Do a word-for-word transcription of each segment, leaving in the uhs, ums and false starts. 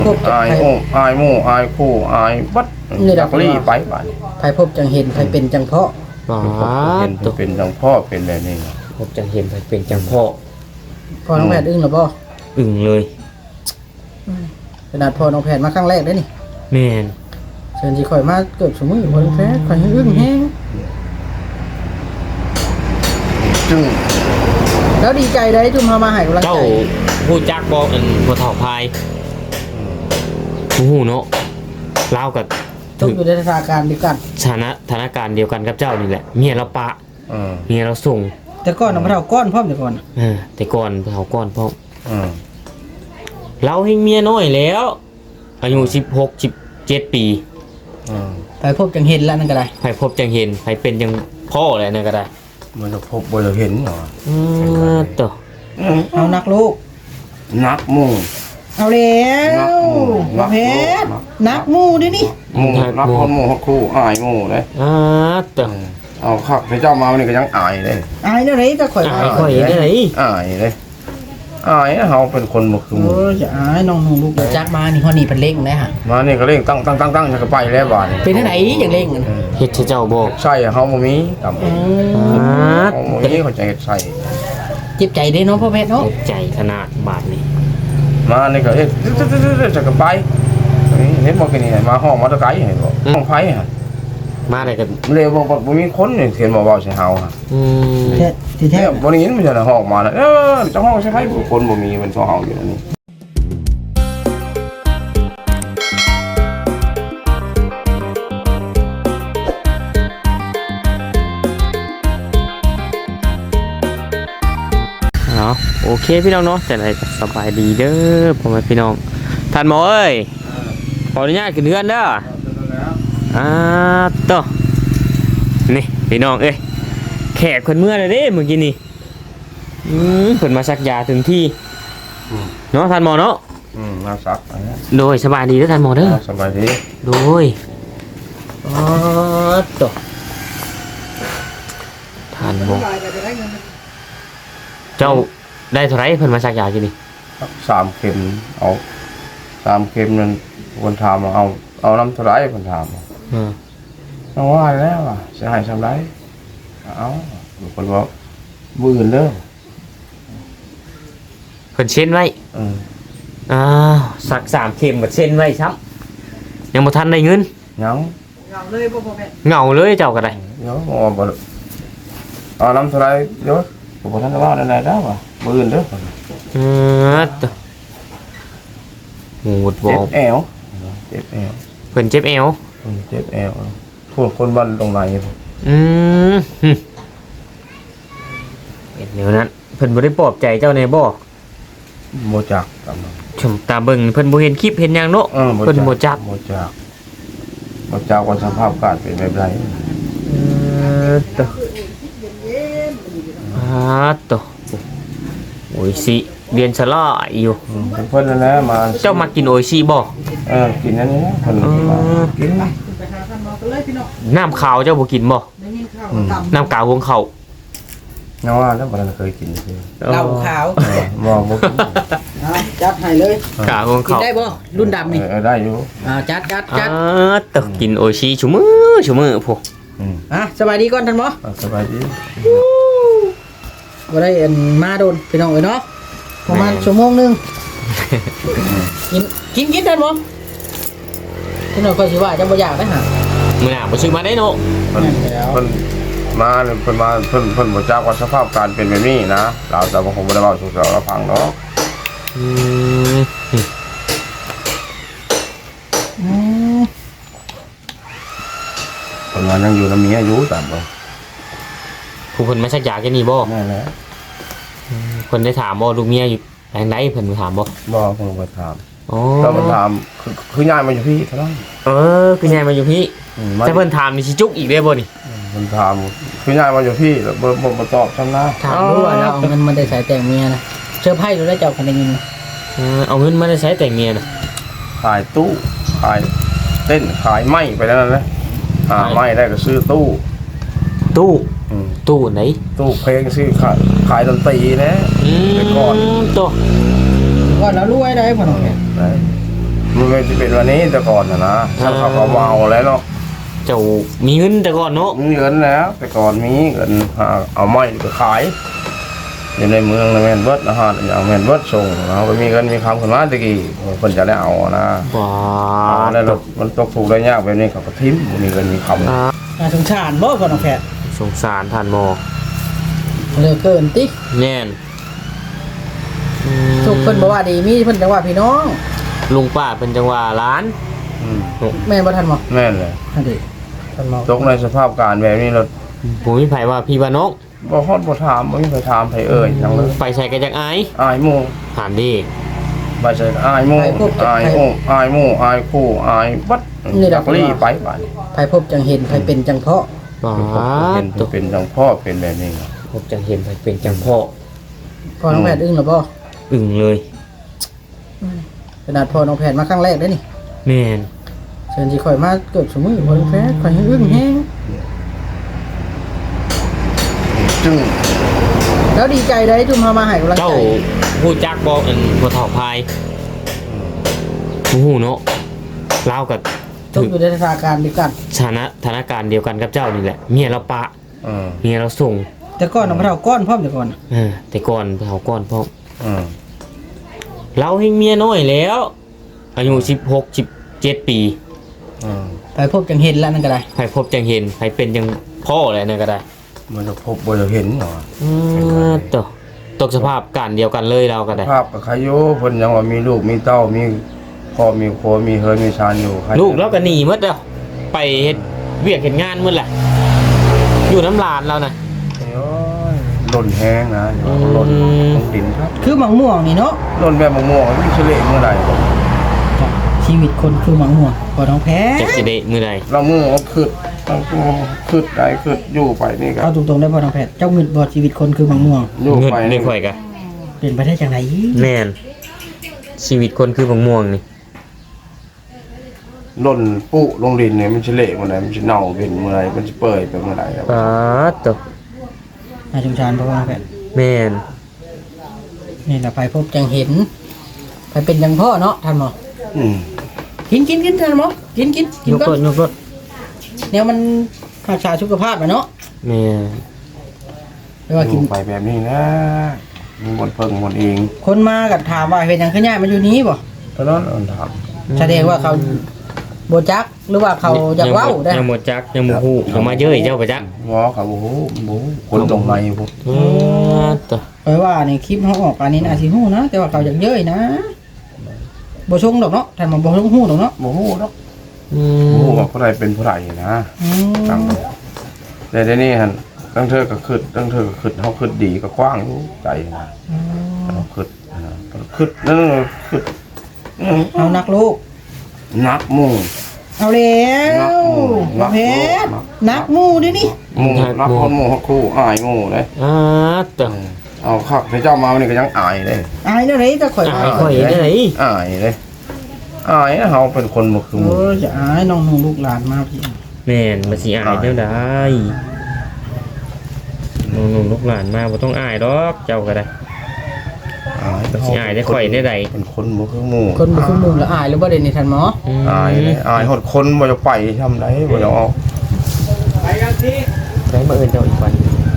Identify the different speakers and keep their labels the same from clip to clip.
Speaker 1: อายโอ้อายหมู่อายคู่อายบัดจักลี่ไปบาดนี้
Speaker 2: ไผพบจังเห็นไผเป็นจังเพาะ
Speaker 3: อ๋อ
Speaker 1: เห็นเป็นจังพ่อเป็นแบบนี้
Speaker 3: พบจังเห็นไปเป็นจังพ่อ
Speaker 2: พอน้องแพทย์อึ้งหรือบ่
Speaker 3: อึ่งเลย
Speaker 2: ขนาดพอน้องแพทย์มาครั้งแรกได้นี่
Speaker 3: แม่น
Speaker 2: เชิญสิข่อยมาเกือบชั่วโมงพอน้องแพทย์ข่อยยังอึ้งแฮง
Speaker 1: จึง
Speaker 2: แล้วดีใจได้จุ่มเฮามาให้กำลัง
Speaker 3: เจ้า
Speaker 2: ใจ
Speaker 3: ผู้จักบอกอันบ่เฒ่าพายฮู้เนาะลาวกับ
Speaker 2: ตกอยู่ในสถานการณ์เดียวกัน
Speaker 3: สถานะสถานการณ์เดียวกันกับเจ้านี่แหละเมียเราปะ
Speaker 1: อืม
Speaker 3: เมียเราส่ง
Speaker 2: แต่ก่อนน่ะบ่เท่าก้อนพร้อมแต่ก่อนน่ะ
Speaker 3: เออแต่ก่อนเฒ่าก่อนพ่อ
Speaker 1: อืม
Speaker 3: เราให้เมียน้อยแล้วอายุสิบหก สิบเจ็ดปี
Speaker 1: อืม
Speaker 2: ไผพบจังเห็นแล้วนั่นก็ได้
Speaker 3: ใครพบจังเห็นใครเป็นจังพ่ออะไรนั่นก็ได้
Speaker 1: มันจะพบบ่จะเห็นเหรอ
Speaker 3: อือตัว
Speaker 1: อืม
Speaker 2: เอานักลูก
Speaker 1: นักหมู่
Speaker 2: เอาแล้ว
Speaker 1: นักหมู่
Speaker 2: เพชรนักหมู่ดินี่
Speaker 1: หมู่นักคนหมู่คู่อายหมู่เลย
Speaker 3: อ่าตัว
Speaker 1: เอาครับพระเจ้ามาวันนี้ก็ยังอายเลย
Speaker 2: อายแนวไหนจะข่อย
Speaker 3: อายข่อยได้ไหน
Speaker 1: อายเลยอายเฮาเป็นคนบ่คือห
Speaker 2: โอ้
Speaker 1: มู่
Speaker 2: ยจะอายน้องหนูลูกเดี๋ยวจักมานี่ฮอดนี่เพิ่นเล่งได้ฮะ
Speaker 1: มานี่ก็เร่งตั้งตั้งตั้งตั้งจะไปแล้วบาดนี้
Speaker 2: เป็นจังไดอย่างเล่งกัน
Speaker 3: เฮ็ดให้เจ้าบอก
Speaker 1: ใช่เฮาบ่มีตำ
Speaker 2: อืม
Speaker 3: อ่า
Speaker 1: เฮาบ่มีเขาจะเฮ็ดใส่
Speaker 2: เจ็บใจเด้เนาะพ่อเพชรเนาะ
Speaker 3: เจ็บใจขนาดบาดนี้
Speaker 1: มานี่ก็เฮ็ดจะก็ไปเห็นบ่กินนี่มาห้องมาตะไกให้บ่ห้องไผฮะ
Speaker 3: มาได้ก็
Speaker 1: เร็วบ่บ่มีคนนี่เห็นบ่เว้าใส่เฮาฮะ
Speaker 3: อืม
Speaker 2: แท้ที่แท้
Speaker 1: แท้บ่ได้ยินมันจะห้องมาแล้วเออเจ้าห้องใช่ไผคนบ่มีมันซ้อเฮาอยู่นี่
Speaker 3: เนาะโอเคพี่น้องเนาะแต่ไหนก็สบายดีเด้อพ่อแม่พี่น้องท่านหมอเอ้ยขออนุญาตขึ้นเรือนเด้ออ่าต่อนี่พี่น้องเอ้ยแขกคนเมื่อเลยเด้เมื่อกี้นี่อืมเพิ่นมาซักยาถึงที่เนาะท่านหมอเนาะ
Speaker 1: อืมมาซักไปนะ
Speaker 3: โดยสบายดีเด้อท่านหมอเด้อ
Speaker 1: สบายดี
Speaker 3: โดยอ๋อต่อท่านหมอเจ้าได้เท่าไหรเพิ่นมาซักยากินนี่
Speaker 1: สามเข็มเอาสามเข็มนั่นคนถามว่าเอาเอาน้ำเท่าไหร่คนถาม
Speaker 3: อืม
Speaker 1: เอาว่าแล้วอ่ะสิให้ซำไรเอาคนว่ามื้ออื่นเด้อ
Speaker 3: เพิ่นเช็นไว้
Speaker 1: อืม
Speaker 3: อ้าวสักสามเข็มกับเส้นไว้ครับยังบ่ทันได้เงิน
Speaker 1: ยัง
Speaker 2: เอาเลยบ่พ่อเพชร
Speaker 3: เหงาเลยเจ้าก็ได้
Speaker 1: เดี๋ยวบ่บ่เอาน้ำเท่าไหร่เดี๋ยวบ่ทันได้ว่าได้แล้วว่ะมื้ออื่นเด้อ
Speaker 3: เออตะหมูดบอ
Speaker 1: เจ็
Speaker 3: ก
Speaker 1: บแอวเจ็บแอว
Speaker 3: เพิ่นเจ็บเอว
Speaker 1: อืมเจ็บแอวพวกคนบ้านตรงไหน
Speaker 3: อืมหึเห็นเดี๋ยวนั้นเพิ่นบ่ได้ปลอบใจเจ้าในบ่
Speaker 1: บ่จักตามนั้น
Speaker 3: ชมตาเบิ่งเพิ่นบ่เห็นคลิปเห็นหยังเนาะ
Speaker 1: เออ
Speaker 3: เพิ่นบ่จัก
Speaker 1: บ่จักบ่จักว่าสภาพการเป็นแบบใด
Speaker 3: เออตะอ่าตะโอ้ยสิเรียนสลาอยู่
Speaker 1: อืมเพิ่นนั่นแหละมา
Speaker 3: เจ้ามากินโออิชิบ่
Speaker 1: เออกินอันนี้นะเพิ่น
Speaker 3: เออ
Speaker 1: กิน
Speaker 2: ไปหาท่านหมอกันเลยพี่น้อง
Speaker 3: น้ำขาวเจ้าบ่กินบ่
Speaker 2: ได้ยินข่าวต่ำ
Speaker 3: น้ำกาวหงเขา
Speaker 1: เนาว่าแล้วบ่ได้เคยกินคือ
Speaker 2: เหล้าขาว
Speaker 1: เออบ่บ่กิน
Speaker 2: เอาจัดให้เลย
Speaker 3: กาวหง
Speaker 2: กิน
Speaker 3: เขา
Speaker 2: ได้บ่รุ่นดำนี่
Speaker 1: เออได้อยู่
Speaker 2: อ่าจัดจัด
Speaker 3: อ่า
Speaker 2: จัด
Speaker 3: ตะกินโออิชิชุมือชุมือพวก
Speaker 1: อืม
Speaker 2: อ่ะสบายดีก่อนท่านหมอ
Speaker 1: อ่ะสบายดี
Speaker 2: บ่ได้เอ็นมาโดนพี่น้องเอ้ยเนาะประมาณชั่วโมงหนึงกินกินกินท่านหมอพี่น้องก็สิว่าจะบ่อยากได้หา
Speaker 3: มื้อหน้าบ่ซื้อมาได้เนาะ
Speaker 1: เพิ่น
Speaker 2: แล้ว
Speaker 1: เพิ่นมาเนี่ยเพิ่นมาเพิ่นเพิ่นบ่จักว่าสภาพการเป็นแบบนี้นะเราแต่ว่าคงบ่ได้เว้าสู่เราฟังดอก
Speaker 3: อืม
Speaker 2: อืม
Speaker 1: เพิ่นว่ายังอยู่นำเมียอยู่ตามบ่
Speaker 3: ผู้เพิ่นมาชักยาแค่นี้บ่
Speaker 1: นั่นแหละ
Speaker 3: เพิ่นได้ถามบ่ลูกเมียอยู่ไหนไหนเพิ่นถามบ่
Speaker 1: บ่เพิ่นบ่ถาม
Speaker 3: อ๋อ
Speaker 1: ถ้ามันถามคือคือยายมาอยู่พี่เท่านั้น
Speaker 3: เออคือยายมาอยู่พี่
Speaker 1: อืมมา
Speaker 3: แต่เพิ่นถามนี่สิจุกอีกได้บ่นี่
Speaker 1: มันถามคือยายมาอยู่พี่แล้วบ่บ่บ่ตอบซ้ำนะ
Speaker 2: ถามดูว่าเราเอาเงินมาได้ใส่แต่งเมียนะเสื้อผ้าดูได้เจ้าคันได้ยินนะ
Speaker 3: เออเอาเงินมาได้ใช้แต่งเมียน่ะ
Speaker 1: ขายตู้ขายเต้นขายไม้ไปแล้วนั่นแหละหาไม้ได้ก็ซื้อตู้
Speaker 3: ตู้
Speaker 1: อืม
Speaker 3: ตู้ไหน
Speaker 1: ตู้เพลงซื้อขายขายดนตรีนะ
Speaker 3: อืม
Speaker 1: แต่ก่อน
Speaker 3: ตู้
Speaker 2: ว่าเรารวยได้บ่น้องเนี่ย
Speaker 1: ได้มจะเป็นวันนี้แต่ก่อนนะนะช่างเขาก็เมาแล้วเนาะ
Speaker 3: เจ้ามีเงินแต่ก่อนเนาะ
Speaker 1: มีเงินแล้วแต่ก่อนมีเงินหาเอาไม้ไปขายอยู่ในเมืองในแมนเบิร์ดนะฮะอย่างแมนเบิร์ดส่งเราก็มีเงินมีคำขึ้นมาตะกี้คนจะได้เอานะ
Speaker 3: ว้า
Speaker 1: แล้วมันตกถูกได้ยากแบบนี้เขาก็ทิ้มมีเงินมีคำ
Speaker 3: อ่า
Speaker 2: น่าสงสารบ่ก่อนน้องแพทย์
Speaker 3: สงสารท่านหมอ
Speaker 2: เหลือเกินติ
Speaker 3: แน่นอืม
Speaker 2: ทุกเพิ่นบ่ว่าดีมีเพิ่นจังว่าพี่น้อง
Speaker 3: ลุงป้าเป็นจังหวะร้าน
Speaker 1: อืม
Speaker 2: แม่นบ่ทันบ่
Speaker 1: แม่นเลย
Speaker 2: นั่นดิทันบ่
Speaker 1: ตกในสภาพการแบบนี้เรา
Speaker 3: ผมมีไผว่าพี่ว่านก
Speaker 1: บ่ฮอดบ่ถามบ่มีใครถามใครเอ่ยทั้งเลย
Speaker 3: ไปใส่กันจากไอ้
Speaker 1: อายหมู่
Speaker 3: ถามดิ
Speaker 1: บ่ใช่อายหมู่อายหมู่อายหมู่อายคู่อายบัดจักลี่ไปบาดนี้
Speaker 2: ไผพบจังเห็นไผเป็นจังเพาะ
Speaker 3: ว้า
Speaker 1: เป็น
Speaker 3: ตัว
Speaker 1: เป็นจังพ่อเป็นแบบนี้
Speaker 3: ผมจะเห็นไผเป็นจังพ่อ
Speaker 2: พ่อน้องแพทย์อึ้งหรือบ่
Speaker 3: อึ่งเลย
Speaker 2: ขนาดพ่อน้องแพทย์มาครั้งแรกเด้อนี่
Speaker 3: แม่น
Speaker 2: เชิญสิข่อยมาเกือบสมือพ่อน้องแพทย์ข่อยให้อึ้งแฮง
Speaker 1: จึง
Speaker 2: แล้วดีใจได้ทุมเฮามาให้กำลัง
Speaker 3: เจ้า
Speaker 2: ใจ
Speaker 3: ฮู้จักบ่อันบ่เฒ่าพายฮู้เนาะลาวกับ
Speaker 2: ตกอยู่ในสถานการณ์เดียวกัน
Speaker 3: สถานะสถานการณ์เดียวกันกับเจ้านี่แหละเมียเราปะ
Speaker 1: อืม
Speaker 3: เมียเราส่ง
Speaker 2: แต่ก่อนน้องพระเฒ่าก้อนพร้อมแต่ก่อน
Speaker 3: เออแต่ก่อนเฒ่าก่อนพร้อม
Speaker 1: อืม
Speaker 3: เราเฮงเมียน้อยแล้ว อายุสิบหก สิบเจ็ดปี
Speaker 1: อืม
Speaker 2: ไปพบจังเห็นแล้วนั่นก็ได้
Speaker 3: ใครพบจังเห็นใครเป็นจังพ่ออะไรนั่นก็ได้
Speaker 1: มันจะพบบ่จะเห็นเหรอ
Speaker 3: อือตกตกสภาพการเดียวกันเลยเราก็ได้
Speaker 1: ภาพกับใครอยู่เพิ่นยังว่ามีลูกมีเต้ามีพ่อมีครัวมีเฮิรมีชานอยู่ใคร
Speaker 3: ลูกเราก็หนีหมดแล้วไปเฮ็ดเวียกเฮ็ดงานหมดแหละอยู่น้ำลานเรานะ
Speaker 1: โอ้ยหล่นแห้งนะหล่นลงดินครับ
Speaker 2: คือหมังม่วงนี่เนาะ
Speaker 1: หล่นแบบมะม่วงมันเฉลยเมื่อไหร่
Speaker 2: ชีวิตคนคือหมังม่วงพ่อน้องแพท
Speaker 3: จัก
Speaker 2: ย์
Speaker 3: สิได้มื้อใด
Speaker 1: เรามือมันขึ้นมันขึ้นได้ขึ้นอยู่ไปนี่ครั
Speaker 2: เอา
Speaker 1: บ
Speaker 2: ตรงๆได้พ่อน้องแพทย์เจ้าเงินบ่ชีวิตคนคือหมังม่วง
Speaker 1: อยู่
Speaker 3: เงิน
Speaker 1: ไป
Speaker 3: ได้
Speaker 1: นี่
Speaker 3: ค่อยกะ
Speaker 2: เป็นไปได้จังได
Speaker 3: แม่นชีวิตคนคือบังม่วงนี่
Speaker 1: หล่นปุลงดินเนี่ยมันเฉลยเมื่อไหร่มันจะเน่าเป็นเมื่อไหร่มันจะเปื่อยไปเมื่อไหร่ครับ
Speaker 3: ปาดตก
Speaker 2: น่าสงสารพ่อน้องแพทย์
Speaker 3: แม่น
Speaker 2: นี่แหละไปพบจังเห็นไปเป็นจังพ่อเนาะท่านหมอ
Speaker 1: อืม
Speaker 2: กินกินกินท่านหมอกินกินกิน
Speaker 3: ยก
Speaker 2: ก่
Speaker 3: ร
Speaker 2: อ
Speaker 3: ถ
Speaker 2: น
Speaker 3: ยกรถ
Speaker 2: เนี่ยมันรักษาสุขภาพอะเนาะ
Speaker 3: แม่น
Speaker 2: ไม่ว่า
Speaker 1: อ
Speaker 2: กิน
Speaker 1: ยู่ไปแบบนี้นะมันบนเพิ่งบนเอง
Speaker 2: คนมากับถามว่าเป็นหยังขึ้นย่ายมาอยู่นี้บ่
Speaker 1: เพราะนั้นมันถาม
Speaker 2: แสดงว่าเขาโบจักหรือว่าเขาอยากเว้าได้
Speaker 3: ยังบ่จักยังบ่ฮู้ยังมาเย้ยเจ้าบ่จัก
Speaker 1: งอกับโอ้โหโอ้โหคนตรงในพวก
Speaker 3: ปาดตก
Speaker 2: เพราะว่าในคลิปเขาออกอันนี้อาจสิฮู้นะแต่ว่าเขาอยากเย้ยนะบ่ชงดอกเนาะท่านหมอบ่ชงฮู้ดอกเนาะ
Speaker 1: โอ้โหเนาะ
Speaker 3: อื
Speaker 1: โอ้โห
Speaker 3: ม
Speaker 1: ว่าผู้ใดเป็นผู้ใดนะ
Speaker 2: อื
Speaker 1: ตั้ง
Speaker 2: ม
Speaker 1: แต่เดี๋ยวนี้ฮะตั้งเธอก็ขึ้นตั้งเธอก็ขึ้นเขาขึ้นดีก็กว้างอยู่ใจนะเขาขึ้นนะขึ้นนั่นขึ้น
Speaker 2: เอานักลูก
Speaker 1: นักมุ่ง
Speaker 2: เอาแล้ว
Speaker 1: นัก
Speaker 2: เพ
Speaker 1: ลูก
Speaker 2: ชรนักหมู่ดินี่
Speaker 1: มุ่งนักคนมุ่งคู่อายมู่เลย
Speaker 3: อ่าตก
Speaker 1: เอาคักเจ้ามาวันนี้ก็ยังอายเลย
Speaker 2: อายเด้อไหนจะข่อย
Speaker 3: อายข่อยได้ไหน
Speaker 1: อายเลยอายนะเขาเป็นคนบ่คือห
Speaker 2: เอ
Speaker 1: มู่
Speaker 2: อจะอายน้องๆลูกหลานมาพี่
Speaker 3: แม่นมาสิอายเท่าใดน้องๆลูกหลานมาบ่ต้องอายดอกเจ้าก็ได้
Speaker 1: อาย
Speaker 3: มาสิอายได้ข่อยได้ใด
Speaker 1: เป็นคนบ่คือหมู่
Speaker 2: คนบ่คือหมู่ละอายหรือบ่ได้นี่ท่านหมอ
Speaker 3: ม
Speaker 1: อายเลยอายหดคนบ่จะไปทำไรบ่จะเอา
Speaker 3: ได้มาเอิ้นเจ้าอีกวัน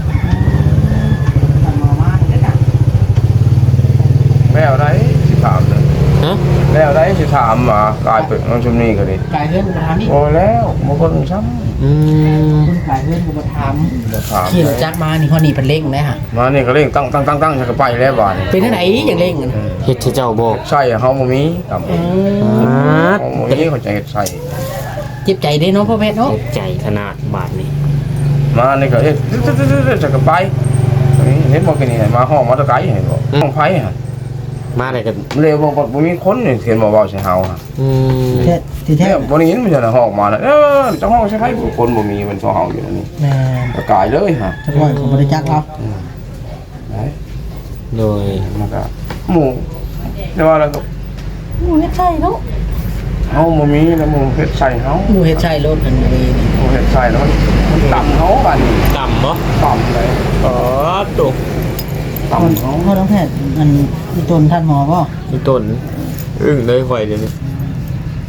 Speaker 2: ท่านหมอมาเด้อจ้ะ
Speaker 1: แมวได้สิถามเลย
Speaker 3: ฮะ
Speaker 1: แมวได้สิถามมากลายเป็นน้องชุมนี่ก็ดิ
Speaker 2: กายเฮือนบ่ถามนี่
Speaker 1: โอ้แล้วบ่คนซ้ำ
Speaker 3: อืม
Speaker 2: คนกายเฮือนบ่ถาม
Speaker 1: บ่ถาม
Speaker 2: ขี่รถจักรมานี่ฮอดนี่เพิ่นเร่งได้ฮะ
Speaker 1: มานี่ก็เร่งตั้งตั้งตั้งตั้งจะก็ไปแล้วบาดนี้
Speaker 2: เป็นจังไดอย่างเร่งอะนะ
Speaker 3: เฮ็ดให้เจ้าบ่
Speaker 1: ใช่เฮาบ่มีครับ
Speaker 2: อืม
Speaker 3: อ่า
Speaker 1: เฮาบ่มีเขาจะเฮ็ดใส่
Speaker 2: เจ็บใจเด้เนาะพ่อเพชรเนาะ
Speaker 3: เจ็บใจขนาดบาดนี้
Speaker 1: มานี่ก็เฮ็ดจะก็ไปเห็นบ่กินนี่มาห้องมอเตอร์ไซค์เห็นบ่ห้องไผฮะ
Speaker 3: มาได้กัน
Speaker 1: เร็วบ่บ่มีคนนี่เขียนบ่เว้าใส่เฮาฮะ
Speaker 3: อืม
Speaker 2: แท้ที่แท้
Speaker 1: แท้บ่ได้ยินมันจะห้องมาแล้วเออเจ้าห้องใช่ไผคนบ่มีมันซอเฮาอยู่นี่
Speaker 2: แม่น
Speaker 1: ก็กายเลยฮะ
Speaker 2: จะปล่อยเขาบ่ได้จักเรา
Speaker 1: ไหน
Speaker 3: โดย
Speaker 1: มันก็หมู่แต่ว่าแล้วก็
Speaker 2: หมูเฮ็ดใช่เนาะ
Speaker 1: เฮาบ่มีแล้วหมู่เฮ็ดใส่เฮา
Speaker 2: หมูเฮ็ดใช่รถกันดีนี่
Speaker 1: หมู่เฮ็ดใส่แล้วมันมันต่ำเฮาบัดนี้
Speaker 3: ต่ำบ่
Speaker 1: ต่ำเลย
Speaker 3: อ๋อตก
Speaker 1: ต่ำเฮา
Speaker 2: พ่อน้องแพทย์มันมีตนท่านหมอบ่
Speaker 3: มีต้นอึ้งเลยข่อยเดี๋ยวนี้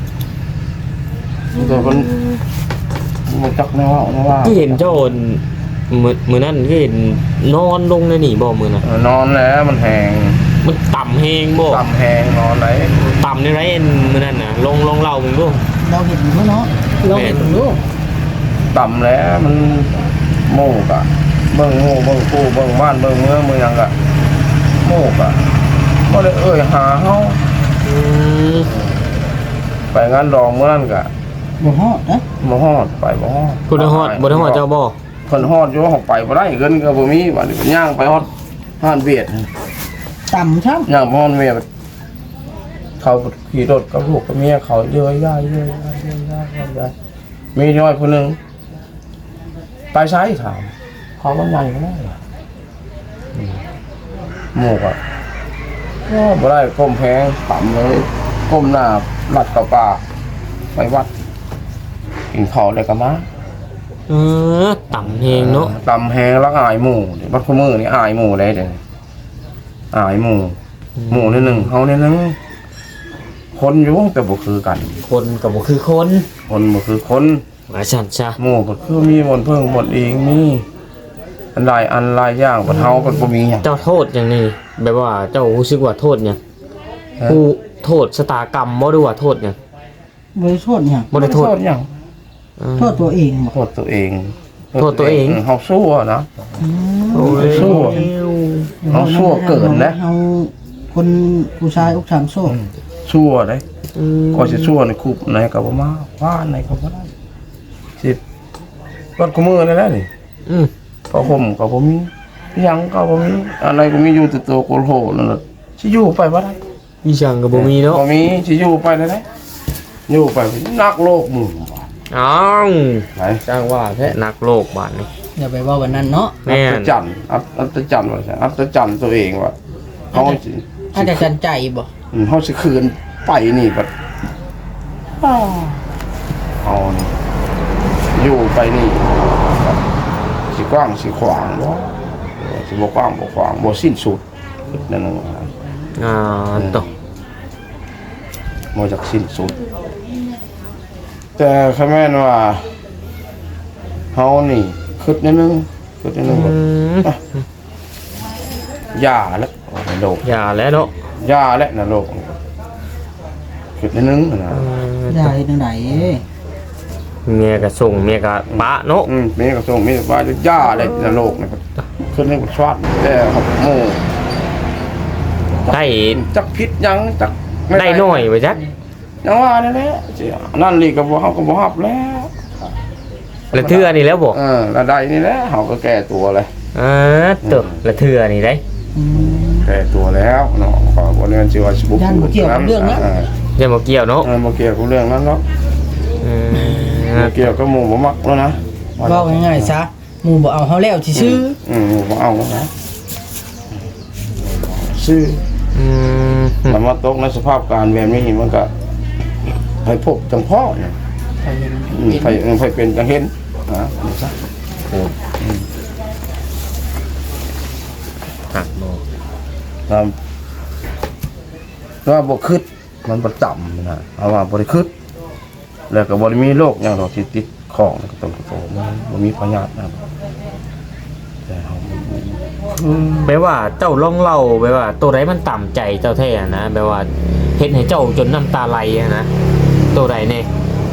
Speaker 1: แต่คนมันจักแนวว่าแนวว่า
Speaker 3: ที่เห็นเจ้าโอนมือมือนั่นที่เห็นนอนลงในนี่บ่มือน่ะ
Speaker 1: เออนอนแล้วมันแหง
Speaker 3: มันต่ำแฮงบ่
Speaker 1: ต่ำแหงนอนไหน
Speaker 3: ต่ำในไรเอ็นมือนั่นน่ะลงลงเล่ามึงดู
Speaker 2: เราเห็นอยู่เนาะเราเห็นอยู่
Speaker 1: ต่ำแล้วมันโมกอะเบิ่งโมเบิ่งกูเบิ่งบ้านเบิ่งเมืองเมืองอะโมกอะบ่ได้เอ่ยหาเฮา
Speaker 3: อืม
Speaker 1: ไปงานดองเมื่อนั้นกะ
Speaker 2: บ่ฮอดนะ
Speaker 1: บ่ฮอดไปบ่ฮอด
Speaker 3: คุณฮอดบ่ได้ฮอดเจ้าบ่
Speaker 1: เพิ่นฮอดอยู่เขาไปบ่ได้เงินก็บ่มีบัดนี้ย่างไปฮอดห้านเวียด
Speaker 2: ต่ำครับ
Speaker 1: ย่างไปฮอดเวียดเขาขี่รถกับลูกกับเมียเขาเยอะย่ายเยอะย่ายเยอะย่ายเยอะย่ายมีน้อยคนหนึงไปซ้ายถามเขาว่าใหญ่ก็ได้อืมหมู่ก็ก็บ่ได้ก้มแพงต่ำเลยก้มหน้าลัดกับป่าไปวัดกินข้าวเลยก็มา
Speaker 3: เออต่ำแฮงเนาะ
Speaker 1: ตำแหงแล้วอายหมู่เดี๋ยวบัดขมือนี่อายหมู่เลยเดี๋ยวนี้อายหมู่หมู่นิดหนึ่งเขานิดหนึงคนอยู่แต่บ่คือกัน
Speaker 3: คนก็บ่คือคน
Speaker 1: คนบ่คือคน
Speaker 3: ว่าซั่นซะ
Speaker 1: หมู่ก็คือมีหมดเพิ่งหมดเองมีอันใดอันหลายอย่างบ่เฮาก็บ่มีหยัง
Speaker 3: เจ้าโทษอย่างนี้แบบว่าเจ้ารู้สึกว่าโทษหยังผู้โทษชะตากรรมบ่ดูว่าโทษหยัง
Speaker 2: บ่ได้โทษหยัง
Speaker 3: บ่ได้โทษ
Speaker 1: หยัง
Speaker 3: อืม
Speaker 2: โทษตัวเองบ่
Speaker 1: โทษตัวเอง
Speaker 3: โทษตัวเอง
Speaker 1: เฮาสู้อะนะ
Speaker 2: อืม
Speaker 3: โอ้ย
Speaker 1: สู้ เอาชั่วเกินนะ
Speaker 2: เอาคนผู้ชายอกสามโซ่
Speaker 1: ชั่วเด้
Speaker 3: อืม
Speaker 1: ก็สิชั่วในคุกไหนก็บ่มาว่าไหนก็บ่ได้สิบัดขมือนั่นแหละนี่
Speaker 3: อืม
Speaker 1: ก็ผมก็บ่มีหยังก็บ่มีอะไรก็มีอยู่แต่ตัวโกโหนั่นน่ะสิอยู่ไปบ่ได้
Speaker 3: อีจังก็บ่มีเนาะ
Speaker 1: บ่มีสิอยู่ไปได้ได้อยู่ไปนักโลกหมู่
Speaker 3: อ้าว
Speaker 1: ไหน
Speaker 3: จ้างว่าแท้นักโลกบาดนี้
Speaker 2: อย่าไปว่าวันนั้นเนาะ
Speaker 3: แม่
Speaker 1: อั
Speaker 3: น
Speaker 1: ศจรรย์อัศอัศจรรย์ว่าซั่นอัศจรรย์ตัวเองว่าเฮาสิ
Speaker 2: อาจจะจันใจบ่
Speaker 1: อืมเฮาสิคืนไปนี่บัดอ้าวเอานี่อยู่ไปนี่สิกว้างสิขวางบ่สิบ่กว้างบ่ขวางบ่สิ้นสุดนั่นน่ะ
Speaker 3: อ่าตก
Speaker 1: มาจากสิ้นสุด แต่คำแม่นว่าเฮานี่คิดนิดนึงคิดนิดนึง
Speaker 3: อื
Speaker 1: ว่าม อ่ะยาแล้วในโลก
Speaker 3: อย่าแล้วเนาะ
Speaker 1: ยาแล้วในโลกคิดนิดนึงนะ
Speaker 3: เออ
Speaker 2: ได้จังได๋
Speaker 3: เมียก็ส่งเมียก็ปะเนาะ
Speaker 1: อืมมีกระทรวงมีว่าจะยาแล้วในโลกนะครับคิดนึงว่าชวาดแต่ครับโม
Speaker 3: ได้
Speaker 1: จักพิษยังจักม่
Speaker 3: ได้น้อยไปจัก
Speaker 1: ยังว่านั่นแหละสินั่นนี่ก็บ่เฮาก็บ่ฮับแล้ว
Speaker 3: ละเทื่อนี่แล้วบ่
Speaker 1: เออระดับนี่แหละเฮาก็แก้ตัวเลย
Speaker 3: อ่าตกละเทื่อนี่ได้
Speaker 2: อืม
Speaker 1: แก้ตัวแล้วเนาะขอบริเวณชีวาชิบุก
Speaker 2: ย่านบ่เกี่ยวกับเรื่องนั้น
Speaker 3: อย่ามาเกี่ยวเนาะ
Speaker 1: เออบ่เกี่ยวกับเรื่องนั้นเนาะ
Speaker 3: อืม
Speaker 1: บ่เกี่ยวกับหมู่บ่มักแล้วนะ
Speaker 2: เว้าง่ายๆซะหมู่บ่เอาเฮาแล้วซื่อ
Speaker 1: อืมหมู่บ่เอานะซื้อ
Speaker 3: อืม
Speaker 1: มันมาตกในสภาพการแบบนี้มันก็ให้พบจังพ่อเนี่ย
Speaker 2: ๆไปเห็น
Speaker 1: อืมไปไปเป็นจังเห็นนะซะโอ้
Speaker 3: หักบ่
Speaker 1: ตามว่าบ่คิดมันบ่จำนะเอาว่าบ่ได้คิดแล้วก็บ่ได้มีโรคหยังดอกที่ติดของก็ต้องโตมันบ่มีพยาธินะแต่เฮา
Speaker 3: แปลว่าเจ้าลองเล่าแปลว่าตัวใดมันต่ำใจเจ้าแท้นะแปลว่าเฮ็ดให้เจ้าจนน้ำตาไหลอะนะตัวใดเนี่ย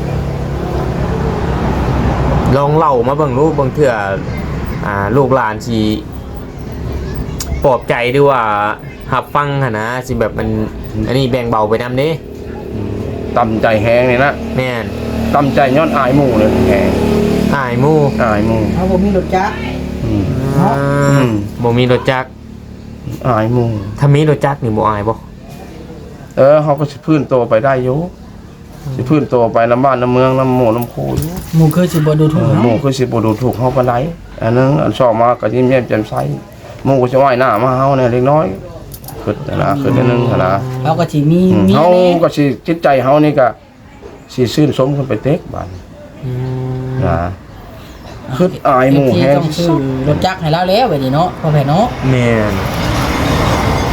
Speaker 3: ลองเล่ามาเบิ่งรู้เบิ่งเถื่ออ่าลูกหลานสิปลอบใจด้วยว่ารับฟังหั่นนะสิแบบมันอันนี้แบ่งเบาไปนำเด้
Speaker 1: ตำใจแฮงนี่นะ
Speaker 3: แม่น
Speaker 1: ตำใจย้อนอายหมู่เลยแฮง
Speaker 3: อายหมู่
Speaker 1: อายหมู่
Speaker 2: เฮาบ่มีรถจักร
Speaker 1: อืม
Speaker 3: อ่า
Speaker 1: อืม
Speaker 3: บ่มีรถจักร
Speaker 1: อายหมู่
Speaker 3: ถ้ามีรถจักรนี่บ่อายบ่
Speaker 1: เออเขาก็สิพื้นโตไปได้อยู่สิพื้นโตไปน้ำบ้านน้ำเมืองน้ำหมู่น้ำโคอยู่
Speaker 2: หมู่เคยสิบ่ดูถูก
Speaker 1: ห
Speaker 2: เฮา
Speaker 1: มู่คือสิบ่ดูถูกเฮาปานใดอันนึงอันชอบมาก็ยิ้มแย้มแจ่มใสหมู่ก็สิว่ายหน้ามาเฮาเนี่ยเล็กน้อยขึ้นนะขึ้นนิดนึงนะ
Speaker 2: เฮาก็สิมี
Speaker 1: อืม
Speaker 2: มี
Speaker 1: เฮา
Speaker 2: แน่
Speaker 1: ก็สิจิตใจเฮานี่ก็สิชื่นชมขึ้นไปเต็กบาด
Speaker 3: อืม
Speaker 1: นะคืออายหมู่
Speaker 2: ที่
Speaker 1: แฮง
Speaker 2: ต้องซื้อรถจักรให้เราแล้วบัดนี้เนาะพ่อแม่เนาะ
Speaker 3: แม่น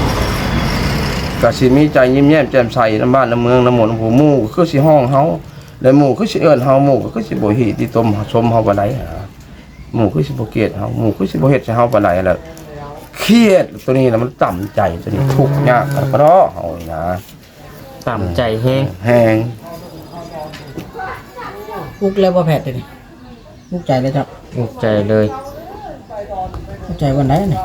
Speaker 1: ก็สิมีใจยิ้มแย้มแจ่มใสน้ำบ้านน้ำเมืองน้ำหมู่น้ำผู้หมู่ก็คือสิห้องเฮาแล้วหมู่คือสิเอิ้นเฮาหมู่ก็คือสิบ่ฮีที่ต้มชมเฮาปานใดหาหมู่คือสิบ่เกลียดเฮาหมู่คือสิบ่เฮ็ดให้เฮาปานใดแล้วเครียดตัวนี้น่ะมันต่ำใจตัวนี้ทุกข์ยากกระเพาะเฮานี่นะ
Speaker 3: ต่ำใจแห้ง
Speaker 1: แฮง
Speaker 2: อุกแล้วบ่แผดเลยนี่อุกใจเลยครับ
Speaker 3: อุกใจเลย
Speaker 2: อุกใจวันไหนนี่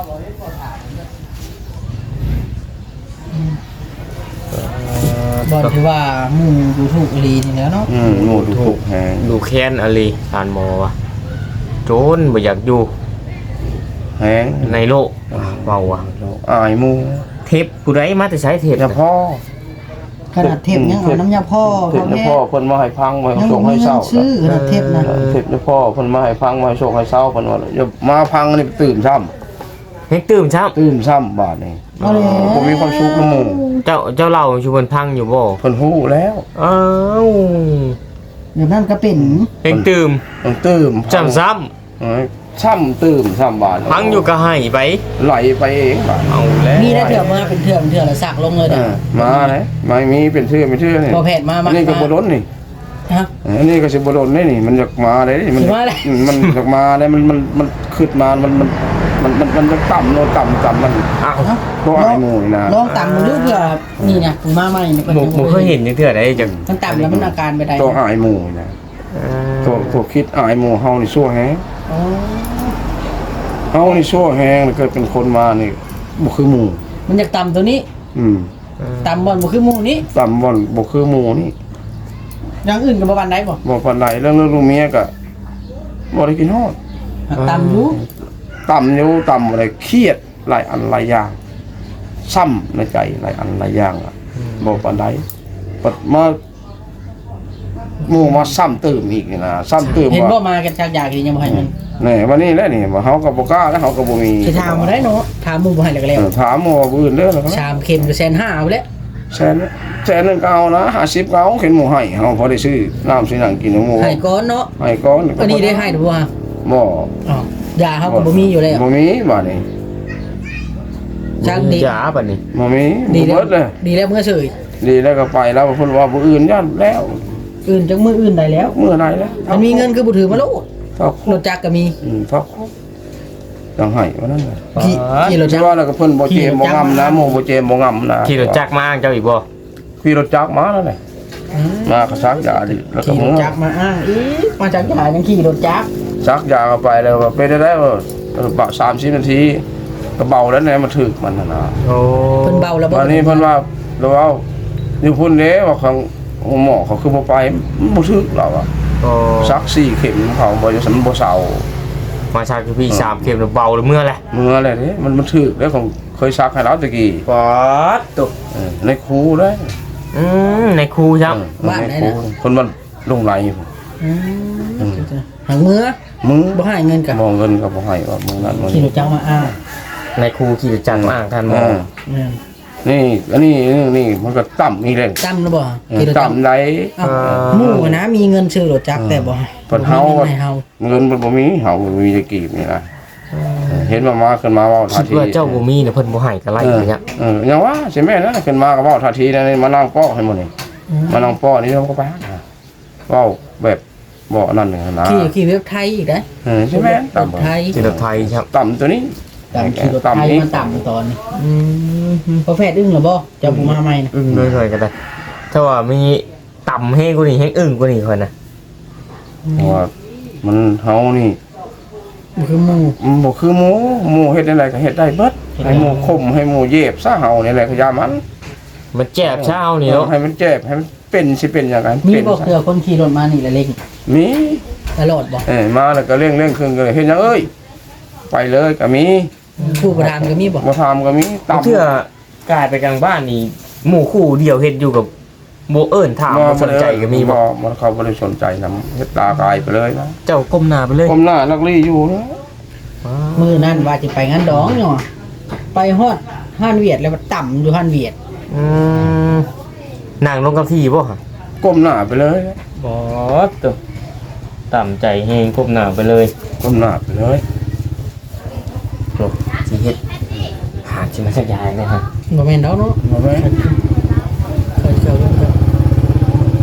Speaker 2: บอลที่ว่าหมู่ดูถูกอีหลีนี่แหล้วเนาะ
Speaker 1: อืมหมู่ทุกข์แฮง
Speaker 3: ดูแค้นอะไรทานหมอวะโจรบ่อยากอยู่
Speaker 1: แฮง
Speaker 3: ในโลกเบาอ่ะ
Speaker 1: อายหมู่
Speaker 3: เทปผู้ใดมาแต่ใช้เทป
Speaker 1: เฉพาะ
Speaker 2: ขนาดเทปยังเอาน้ำยาพ่อ
Speaker 1: เทพ
Speaker 2: เขา
Speaker 1: นะ
Speaker 2: แม่
Speaker 1: พ่อเพิ่นมาให้พังมาให้
Speaker 2: ยัง
Speaker 1: ส่ง
Speaker 2: มี
Speaker 1: ให้
Speaker 2: เงิ
Speaker 1: เศร้าน
Speaker 2: ซื้อขนาดเทปนะ
Speaker 1: เทพนะพ่อเพิ่นมาให้พังมาให้ส่งให้เศร้าเพิ่นว่าอย่ามาพังนี่ตื่นซ้ำ
Speaker 3: เฮ็ดตื่มช้
Speaker 1: ตื่นซ้ำบาดนี่
Speaker 2: เอาแล้ว
Speaker 1: บ่มีความสุขนำหมู่
Speaker 3: ำเจ้าเจ้าเล่าอยู่บนพังอยู่บ่
Speaker 1: เพิ่นฮู้แล้ว
Speaker 3: อ้าว
Speaker 2: เดี๋ยวนั่นก็เป็น
Speaker 3: เฮ็ดตื่ม
Speaker 1: ต้องตื่ม
Speaker 3: จำซ้
Speaker 1: เอ้ยซ้ำตื่มซ้ำบาด
Speaker 3: ำพังอยู่ก็ให้ไป
Speaker 1: ไหลไปเองบาด
Speaker 3: เอาแล้ว
Speaker 2: มีได้เถื่อมาเป็นเถื่อเป็นเถื่อแล้วสักลงเลย
Speaker 1: เอ
Speaker 2: เด้อ
Speaker 1: อมาไหนไม่มีเป็นเทื่อเป็นเทื่อนี่
Speaker 2: พอแผดมามา
Speaker 1: อันนี้ก็บ่ล้นนี่
Speaker 2: ฮะ
Speaker 1: อันนี้ก็สิบ่ล้นนี่นี่มันอยากมาได้นี่มัน
Speaker 2: สิมาได้
Speaker 1: อืมมันอยากมาได้มันมันมันขึ้นมามันมันมันมันมันจะต่ำโนต่ำต่ำมัน
Speaker 3: อ้าว
Speaker 2: เนาะ
Speaker 1: ตัวอายหมู่นี่นะ
Speaker 2: ลองต่ำดูเพื่อนี่นะกูมาใหม่เนี่ย
Speaker 3: บ่บ่เคยเห็นจังเทื่อใดจัง
Speaker 2: มันต่ำแล้วมันอาการไปได้
Speaker 1: ตัวอายหมู่นี่นะตัวตัวคิดอายหมู่เฮานี่ชั่วแฮง
Speaker 2: อ๋อ
Speaker 1: เฮานี่ชั่วแฮงแล้วเกิดเป็นคนมานี่บ่คือหมู่
Speaker 2: มันอยากต่ำตัวนี้
Speaker 1: อืม
Speaker 2: ต่ำบอลบ่คือหมู่นี้
Speaker 1: ต่ำบ่อนบ่คือหมู่นี่
Speaker 2: อย่างอื่นก็บ่ปานใดบ่
Speaker 1: บ่ปานใดเรื่องเรื่องลูกเมียก็บ่ได้กินฮอด
Speaker 2: ต่ำอยู่
Speaker 1: ต่ำอยู่ต่ำอะไรเครียดหลายอันหลายอย่างซ้ำในใจหลายอันหลายอย่างอ่ะบ่ปานใดปัดมาหมู่มาซ้ำเติมอีกนี่นะซ้ำเติม
Speaker 2: เห็นบ่
Speaker 1: ว่า
Speaker 2: มากันจากอยากยังบ่ให้มัน
Speaker 1: นี่วันนี้แหละนี่ว่าเฮาก็บ่กล้าแล้วเฮาก็บ่มี
Speaker 2: สิถามมาได้เนาะถามหมู่บ่ให้แล้วก็แล้ว
Speaker 1: เออถามหมู่ว่าบ่อื่นเด้อเหรอ
Speaker 2: ชามเค็มก็แสนห้าเอาแล้ว
Speaker 1: แสนแสนหนึงก็เอานะห้าสิบก็เอาเข็นหมู่ให้เฮาพอได้ซื้อน้ำซื้อหนังกินของหมู่
Speaker 2: ให้ก่อนเนาะ
Speaker 1: ให้ก่อน
Speaker 2: อันนี้ได้ให้หรือบ่ฮะ
Speaker 1: บ่
Speaker 2: อ๋อยาเฮาก็บ่มีอยู่แล้ว
Speaker 1: บ่มีบาดนี้
Speaker 2: จักดี
Speaker 3: จ๋าบัดนี้
Speaker 1: บ่มี
Speaker 2: ดี
Speaker 1: บ่
Speaker 2: แล้ว
Speaker 1: เบิดเลย
Speaker 2: ดีแล้วเมื่อเฉย
Speaker 1: ดีแล้วก็ไปแล้วเพิ่นว่าบ่อื่นย่านแล้ว
Speaker 2: อื่นจังมืออื่นได้แล้ว
Speaker 1: เมื่อใดแล้ว
Speaker 2: มันมีเงินคือบ่ถือมาโลด
Speaker 1: เท่าร
Speaker 2: ถจักรก็มี
Speaker 1: อืมเท่าจังให้ว่านั่นน่ะ
Speaker 2: ขี่ขี่รถ
Speaker 1: ที่
Speaker 2: จักร
Speaker 1: ว่าแล้วก็เพิ่นบ่เจมบ่งำนะหมู่บ่เจมบ่งำนะ
Speaker 3: ขี่รถจักรมาอ้างเจ้าอีกบ่
Speaker 1: ขี่รถจักรมาแล้วแหละมาก็ซักยาดิแล้วก็
Speaker 2: ขี่ร
Speaker 1: มึ
Speaker 2: ถ
Speaker 1: ง
Speaker 2: จักรมาอ้างอีกมาจากยายังขี่รถจักร
Speaker 1: ซักยาเข้าไปแล้วว่าไปได้แล้วเออบะสามสิบนาทีก็เบาแล้วแหละมันถึกมันน่ะนะ
Speaker 3: โอ้
Speaker 2: เพิ่นเบาแล้วบ่
Speaker 1: วันนี้เพิ่นว่าเราเอาอยู่พุ่นเด้ว่าของหมอเขาคือบ่ไปมันบ่ถึกเราอะ
Speaker 3: โอ้
Speaker 1: ซักสี่เข็มเขาบ่จะสำบ่เซา
Speaker 3: มาชาคือพี่สามเข็มแล้วเบาแล้วเมื่อแหละ
Speaker 1: เมื่ออะไรนี่มันมันถึกแล้วของเคยซักให้เราตะกี้
Speaker 3: ปอดตุก
Speaker 1: เออในครูได้
Speaker 3: อืมในครูครับ
Speaker 1: เออในครูคนมันลงไหล
Speaker 2: อืมหางมือ
Speaker 1: มึง
Speaker 2: บ่ให้เงินก็
Speaker 1: มองเงินก็บ่ให้ว่ามึงนั่นมึง
Speaker 2: ขี่รถจักรมาอ้าง
Speaker 3: ในครูขี่รถจักรมาอ้างท่านหมอ
Speaker 1: อ่า
Speaker 2: แม่น
Speaker 1: นี่อันนี้นี่นี่มันก็ต่ำอีกเลย
Speaker 2: จำแล้วบ่ขี่รถจักร
Speaker 1: ต่ำไหน
Speaker 2: เอ้าหมู่นะมีเงินซื้อรถจักรแต่บ่
Speaker 1: เพิ่นเฮา
Speaker 2: บ่มีงินให้เฮา
Speaker 1: เงินมันบ่มีเฮาบ่มีจะกีบนี่นะเห็นมามาขึ้นมาเว้า
Speaker 3: คิ
Speaker 1: ท่า
Speaker 3: ด
Speaker 1: ที
Speaker 3: ว่าเจ้าบ่มีเนี่ยเพิ่นบ่ให้ก็ไล่อย่างเงี้ย
Speaker 1: เออยังว่าใช่แม่นนะขึ้นมาก็เว้าท่าทีนั่นนี่มานั่งป้อให้หมดนี่มานั่งป้อนี่เราก็ไปหาเว้าแบบบ่นั่นนึงนะ
Speaker 2: ขี่ขี่เว็บไทยอีกนะ
Speaker 1: เออใช่แม่นต่ำ
Speaker 2: ไทย
Speaker 3: ขี่รถไทยครับ
Speaker 1: ต่ำตัวนี้
Speaker 2: ต่ำขี่รถไทย
Speaker 1: ต่ำนี้
Speaker 2: มันต่ำตอนนี้อืมพอแพทย์อึ้งเหรอบ่เจ้าผู้มาใหม่นะ
Speaker 3: อึ้งด้วยๆกันได้ถ้าว่ามีต่ำให้กูนี่ให้อึ้งกูนี่คนนะ
Speaker 1: เพราะว่ามันเฮานี่
Speaker 2: บ่คือหมู่
Speaker 1: มันบ่คือหมูหมูเฮ็ดได้ก็เฮ็ดได้เบิดให้หมูคมให้หมูเย็บซะเฮานี่แหละก็ยามัน
Speaker 3: มันแจ็บเช้านี่เนาะ
Speaker 1: ให้มันเจ็บให้มันเป็นสิเป็นอย่างนั้น
Speaker 2: มี
Speaker 1: เป็น
Speaker 2: บ่
Speaker 1: ซะ
Speaker 2: เผื่อคนขี่รถมานี่ละเล็ก
Speaker 1: มี
Speaker 2: ตลอดบ่
Speaker 1: เอ้ยมาแล้วก็เร่งเร่งขึ้นก็เลยเฮ็ดหยังเอ้ยไปเลยก็มี
Speaker 2: ผู้ประธานก็มีบ่
Speaker 1: บ่ทำก็มีตำ
Speaker 3: เพื่อกลายไปกลางบ้านนี่หมู่คู่เดียวเฮ็ดอยู่กับโบเอิญถามบ่สนใจก็มีบ่
Speaker 1: บ่บ่เขาบ่ได้สนใจนำเฮ็ดตากายไปเลยนะ
Speaker 3: เจ้าก้มหน้าไปเลย
Speaker 1: ผมหน้านักลี่อยู่นะ
Speaker 2: มื้อนั้นว่าสิไปงานดองเนาะไปฮอดห้านเวียดแล้วก็ต่ำอยู่ห้านเวียด
Speaker 3: อืมนั่งลงกับที่บ่ฮะ
Speaker 1: ก้มหน้าไปเลย
Speaker 3: บ่ตวต่ำใจเฮงก้มหน้าไปเลย
Speaker 1: ก้มหน้าไปเลย
Speaker 3: โอ้สิเฮ็ดหาสิมาสักอย่างนะฮะ
Speaker 2: บ่แม่นดอกเนาะ
Speaker 1: บ่แม่น
Speaker 2: เคยเจอกัน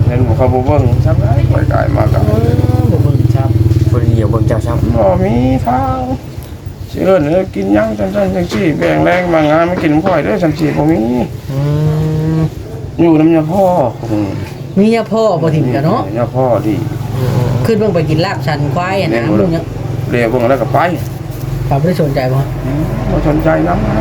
Speaker 1: เห็นบ่เขาบ่เบิ่งซักได้ปล่อยกายมากัน
Speaker 2: เออบ่เบิ่งครับ
Speaker 3: คนเดียวเบิ่งเจ้าช้ำ
Speaker 1: บ่มีทางสิเอิ้นเอ้อกินหยังจังซั่นจังซี่แบ่งแรงมางานมากินน้ำข่อยเด้อจังซี่บ่มี
Speaker 3: อืม
Speaker 1: อยู่น้ำยาพ่ออืม
Speaker 2: มียาพ่อบ่ถิ่มกันเนาะ
Speaker 1: ยาพ่อดี
Speaker 2: ขึ้นเบิ่งไปกินลาบชันควายอะนะมึงยัง
Speaker 1: เรียกเบิ่งแล้วก็ไป
Speaker 2: เขาบ่ได้สนใจบ่
Speaker 1: อืมบ่สนใจนำ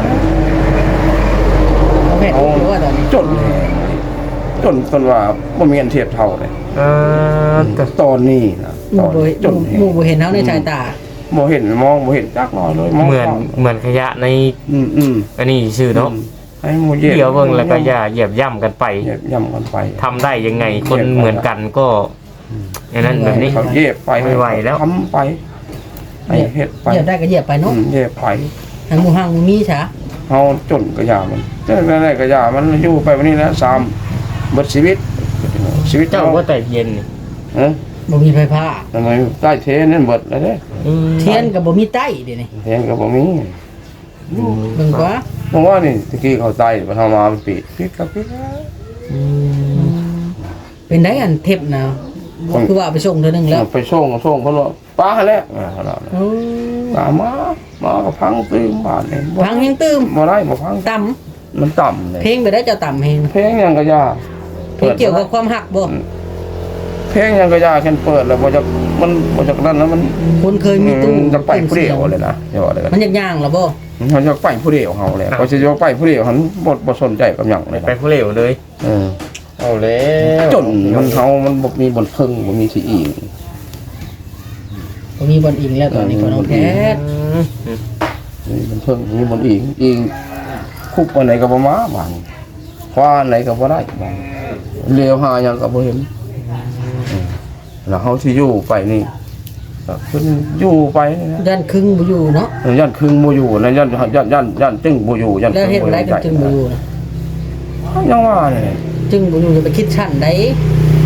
Speaker 2: เขาเห็นรู้ว่าตอนนี้
Speaker 1: จนจนจนว่าบ่มีอันเทียบเท่าเลย
Speaker 3: เออแต่
Speaker 1: ตอนนี้นะต
Speaker 2: มู่
Speaker 1: อน
Speaker 2: บ่
Speaker 1: จน
Speaker 2: หมู่บ่เห็นเฮาในสายตา
Speaker 1: บ่เห็นมองบ่เห็นจักน้อยเลยมอง
Speaker 3: เหมือนเหมือนขยะใน
Speaker 1: อืมอืม
Speaker 3: อันนี้ชื่อเนาะ
Speaker 1: ให้หมูเหยียบ
Speaker 3: เดี๋ยวเบิ่งแล้วก็อย่าเหยียบย่ำกันไป
Speaker 1: เหยียบย่ำกันไป
Speaker 3: ทำได้ยังไงคนเหมือนกันก็อย่างนั้นแบบนี้
Speaker 1: เขาเหยียบไป
Speaker 3: ไม่ไหวแล้ว
Speaker 1: ทำไปให้เฮ็ดไป
Speaker 2: เหยียบได้ก็เหยียบไปเนาะ
Speaker 1: อืมเหยียบไป
Speaker 2: ให้หมู่ห้างหมู่มีซะ
Speaker 1: เฮาจนก็อย่ามันจังได๋ก็อย่ามันอยู่ไปวันนี้นะสามเบิดชีวิตชีวิต
Speaker 3: เจ้าก็แต่เย็นนี่
Speaker 1: เอ้อ
Speaker 2: บ่มีไฟฟ้า
Speaker 1: ทำไมใต้เทนั่นเบิดแล้วเด้
Speaker 3: อืม
Speaker 2: เทียนก็บ่มีใต้เดี๋ยวนี้
Speaker 1: เทนก็บ่มี
Speaker 2: เบิ่งกว่า
Speaker 1: เพราะว่านี่ตะกี้เขาใต้บ่ทำมามันปิดปิดก็ปิด
Speaker 3: อืม
Speaker 2: เป็นได้อันเทปนะบ่คือว่าเอาไปส่งเทื่อนึงแล้ว
Speaker 1: ไปส่งก็ส่งเพิ่นว่าป้าแล้วอ่าขนาดนั้น
Speaker 2: โอ้
Speaker 1: ตามมามาก็พังตื้มบ้านนี่บ่
Speaker 2: พังยังตื้ม
Speaker 1: บ่ได้บ่พัง
Speaker 2: ต่ำ
Speaker 1: มันต่ำเลย
Speaker 2: เพลงไปได้เจ้าต่ำเพลง
Speaker 1: เพลงหยังก็ยา
Speaker 2: เพลงเกี่ยวกับความหักบ่
Speaker 1: เพลงหยังก็ยาแค่เปิดแล้วบ่จะมันบ่จะนั่นแล้วมัน
Speaker 2: คนเคยมีตู้
Speaker 1: มันจะไปผู้เดียวเลยนะอย่าว่าเลยกัน
Speaker 2: มันย่างๆแล้วบ่
Speaker 1: มันจะไปผู้เดียวเฮาแหละพอสิจะไปผู้เดียวหันบ่บ่สนใจกับหยังเลย
Speaker 3: ไป
Speaker 1: นะ
Speaker 3: ผู้เร็วเลย
Speaker 1: เออ
Speaker 3: เอาแล้ว
Speaker 1: จนมันเฮามันบ่มีบนพึ่งบ่มีสิอีก
Speaker 2: บ่มีบอลอิงแล้วตอนนี้ก็น้องแพทย์
Speaker 3: อืม
Speaker 1: มีบนพึ่งมีบนอีกอีกคุบอันไหนก็บ่มาบ้านคว้าอันไหนก็บ่ได้บ้านเลี้ยวหาหยังก็บ่เห็น แล้วเขาที่อยู่ไปนี่ก็เพิ่นอยู่ไปนี่นะ
Speaker 2: ด้านครึ่งบ่อยู่เนาะ
Speaker 1: ยันครึ่งบ่อยู่นะยันยันยันยันจึงบ่อยู่ยัน
Speaker 2: แล้วเฮ็ดอะไรกันจึงบ่อยู่นะ
Speaker 1: ยังว่านี่
Speaker 2: จึงบ่อยู่จะไปคิดชั้นใด